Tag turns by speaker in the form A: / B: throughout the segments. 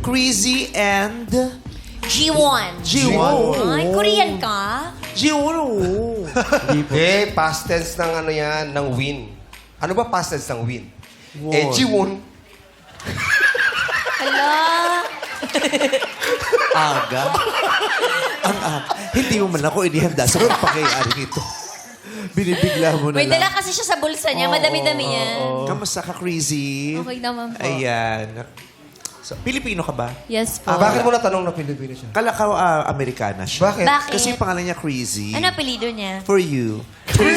A: Crazy and...
B: G1.
A: G1.
B: Ay, Korean ka?
A: G1, oo.
C: Eh, past tense ng ano yan, ng win. Ano ba past tense ng win? Eh, Jiwon.
B: Hala.
A: Aga. Hindi mo man ako inihanda sa pagpakayari nito. Binibigla mo na
B: May
A: lang.
B: dala kasi siya sa bulsa niya. Madami-dami yan.
A: Kamusta ka, Crazy?
D: Okay naman po.
A: Ayan. So, Pilipino ka ba?
D: Yes po.
C: Bakit mo natanong na Pilipino siya?
A: Kala ka Amerikana siya.
C: Bakit?
B: Bakit?
A: Kasi yung pangalan niya Crazy.
B: Ano apelido niya?
A: For you.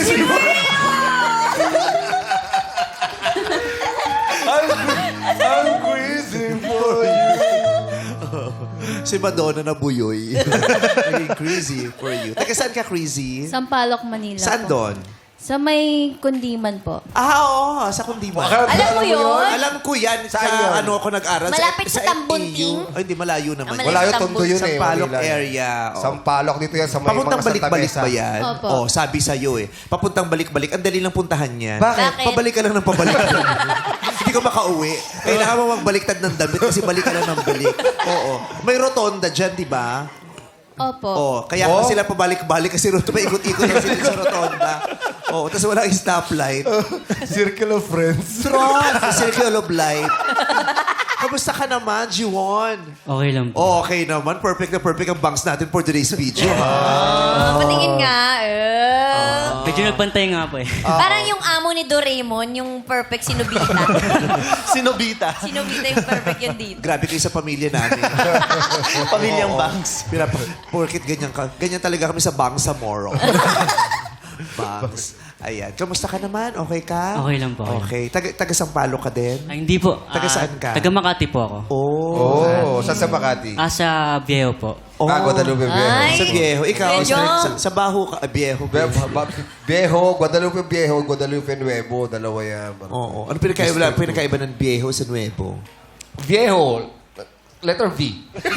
C: I'm crazy for you.
A: Si Madonna na buyoy. Naging Crazy for you. Taga saan ka, Crazy?
D: Sampaloc, Manila
A: Saan
D: po.
A: doon?
D: Sa may kundiman po.
A: Oo. Sa Kundiman.
B: Alam mo yun?
A: Alam ko yan.
C: Saan
A: sa
C: yun?
A: ano ako nag-aral.
B: Malapit sa Tambunting?
A: AU. Ay, hindi. Malayo naman.
B: Ah,
C: Wala yung tondo yun eh.
A: Sampaloc
C: Manila eh.
A: area. Oo.
C: Sampaloc dito yan sa may
A: Papuntang
C: mga Santa
A: balik-balik
C: Mesa.
A: ba yan?
D: Opo.
A: Oh, sabi sa'yo eh. Papuntang balik-balik. Ang dali lang puntahan yan.
C: Bakit?
A: Pabalik ka lang ng pabalik. Hindi ka makauwi. Kailangan mo magbaliktad ng damit kasi balik ka lang ng balik. Oo. May rotonda dyan, di ba?
D: Opo.
A: Oh, kaya sila pabalik-balik kasi paikot-ikot lang sila sa rotonda. Oh, tapos walang stoplight.
C: Circle of Friends.
A: Trot! Circle of life. Kamusta ka naman, G1?
E: Okay lang po.
A: Oh, okay naman. Perfect na perfect ang bangs natin for today's video.
B: Patingin nga.
E: Medyo nagbantay nga po eh.
B: Parang yung amo ni Doraemon, yung perfect sinubita.
A: Sinobita.
B: Sinubita yung perfect yun dito.
A: Grabe kayo sa pamilya namin.
F: Pamilyang bangs.
A: Porkit ganyan ka. Ganyan talaga kami sa Bangsamoro. Bangs. Ayan. Kamusta ka naman? Okay ka?
E: Okay lang po.
A: Okay. Taga Sampaloc ka din?
E: Ay, hindi po.
A: Taga saan ka?
E: Taga Makati po ako.
A: Oh.
C: Oh, saan sa Makati?
E: Sa Viejo po.
C: Guadalupe Viejo.
B: Ay.
A: Sa Viejo. Ikaw,
B: Medyo.
A: sa Baho ka. Viejo.
C: Viejo, Guadalupe Viejo, Guadalupe Nuevo. Dalawa yan.
A: Oo. Ano pinakaiba ng Viejo sa Nuevo?
C: Viejo, letter V.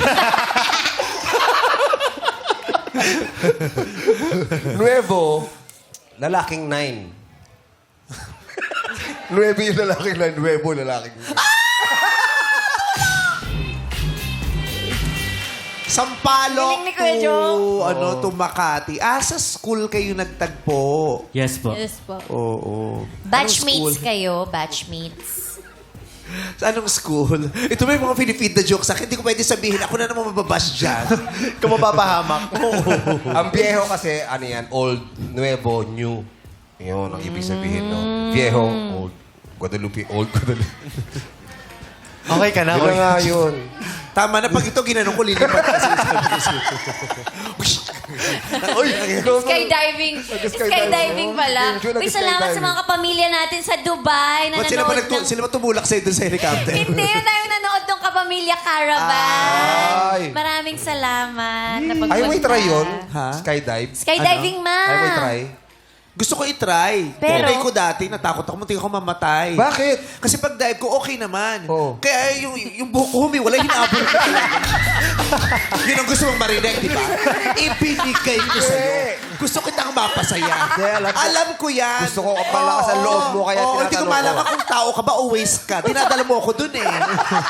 C: Nuevo, lalaking 9. Nuevo yung lalaking 9, Nuevo lalaking 9.
A: Sampaloc
B: Galing ni Kuya Jong.
A: to Makati. Sa school kayo nagtagpo.
E: Yes po.
D: Yes po.
A: Oo.
B: Batchmates kayo, batchmates.
A: Sa anong school? Ito may mga Filipino na joke sa akin. Hindi ko pwede sabihin. Ako na naman mababash dyan.
F: Kung mapapahamak.
C: Ang Viejo kasi, ano yan, old, Nuevo, new. Yun, ang ibig sabihin, no? Viejo, old. Guadalupe, old Guadalupe.
F: Okay ka na.
C: Yun na nga yun.
A: Tama na. Pag ito ginanong ko, lilipat kasi.
B: Skydiving. Skydiving pala. Uy, salamat sa mga kapamilya natin sa Dubai na
A: Ba't sila
B: nanood ng...
A: sila ba tumulak sa'yo dun sa helicopter?
B: Hindi, na tayo nanood ng Kapamilya Caravan.
C: Ay.
B: Maraming salamat.
C: Ay, may try yun?
A: Ha?
C: Skydive?
B: Skydiving, ma.
C: Ay, may try?
A: Gusto ko i-try.
B: Pero-
A: Tinry ko dati, natakot ako, muntik ako mamatay.
C: Bakit?
A: Kasi pag dive ko, okay naman.
C: Oo.
A: Kaya yung buhok ko humiwalay, hinabol ko talaga. Yun ang gusto mong marinig, di ba? Ibinigay ko sa'yo. Gusto kitang mapasaya. Alam ko yan.
C: Gusto ko kapalakas ang loob mo, kaya
A: Oo, hindi ko
C: tinatanong
A: malaman
C: ko.
A: kung tao ka ba o waste ka. Dinadala mo ako dun eh.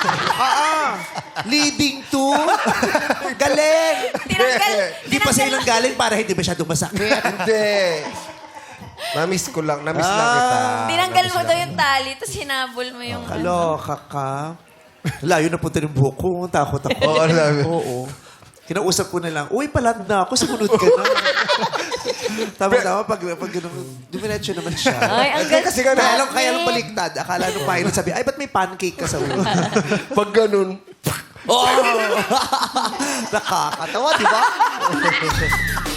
A: Leading to. Galing. Hindi pa sa ilang galing para hindi masyadong masakit.
C: Hindi. Namiss ko lang. Namiss lang kita.
B: Tinanggal mo daw yung tali, tapos hinabol mo yung...
A: Kaloka ka. Layo na punta ng buhok ko. Takot ako.
C: Oo, ano namin?
A: Oo. Kinausap ko na lang, uy, palat na ako. Sumunod ka na. Tama-tama, pag gano'n, dumiretso naman siya.
B: Ay, ang ganda.
C: Kasi nga,
A: Kaya lang baliktad. Akala nung pilot sabi, ay, ba't may pancake ka sa ulo?
C: Pag ganun,
A: Oh! Nakakatawa, di ba?